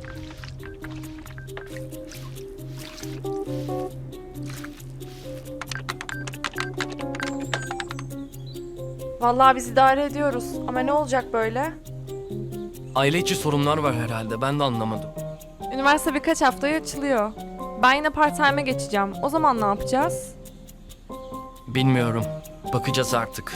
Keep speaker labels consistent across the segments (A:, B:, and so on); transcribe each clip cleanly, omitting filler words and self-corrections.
A: Vallahi biz idare ediyoruz ama ne olacak böyle?
B: Aile içi sorunlar var herhalde, ben de anlamadım.
A: Üniversite birkaç haftaya açılıyor. Ben yine part-time'e geçeceğim. O zaman ne yapacağız?
B: Bilmiyorum. Bakacağız artık.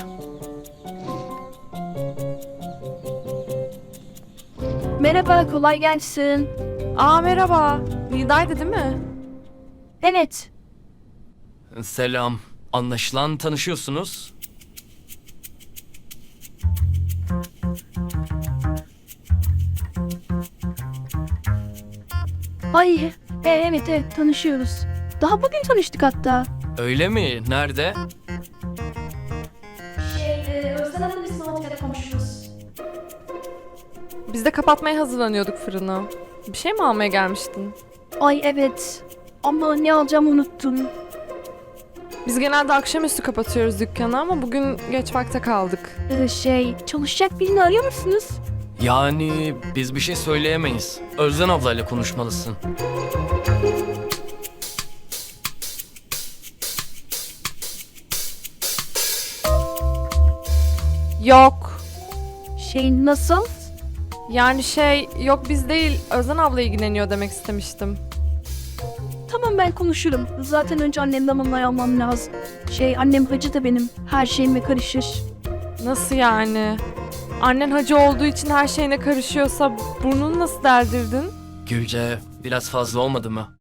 C: Merhaba, kolay gelsin.
A: Aa merhaba. Nida'ydı değil mi?
C: Evet,
B: Selam. Anlaşılan tanışıyorsunuz.
C: ay, evet, tanışıyoruz. Daha bugün tanıştık hatta.
B: Öyle mi? Nerede?
C: Özlem Hanım'ın ismi ortaya konuşuruz.
A: Biz de kapatmaya hazırlanıyorduk fırını. Bir şey mi almaya gelmiştin?
C: Ay evet, ama ne alacağımı unuttum.
A: Biz genelde akşamüstü kapatıyoruz dükkanı ama bugün geç vakte kaldık.
C: Çalışacak birini arıyor musunuz?
B: Yani biz bir şey söyleyemeyiz. Özden ablayla konuşmalısın.
A: Yok.
C: Nasıl?
A: Yani yok biz değil Özden abla ilgileniyor demek istemiştim.
C: Tamam ben konuşurum. Zaten önce annemden onay almam lazım. Annem hacı da benim. Her şeyime karışır.
A: Nasıl yani? Annen hacı olduğu için her şeyine karışıyorsa burnunu nasıl deldirdin?
B: Gülce, biraz fazla olmadı mı?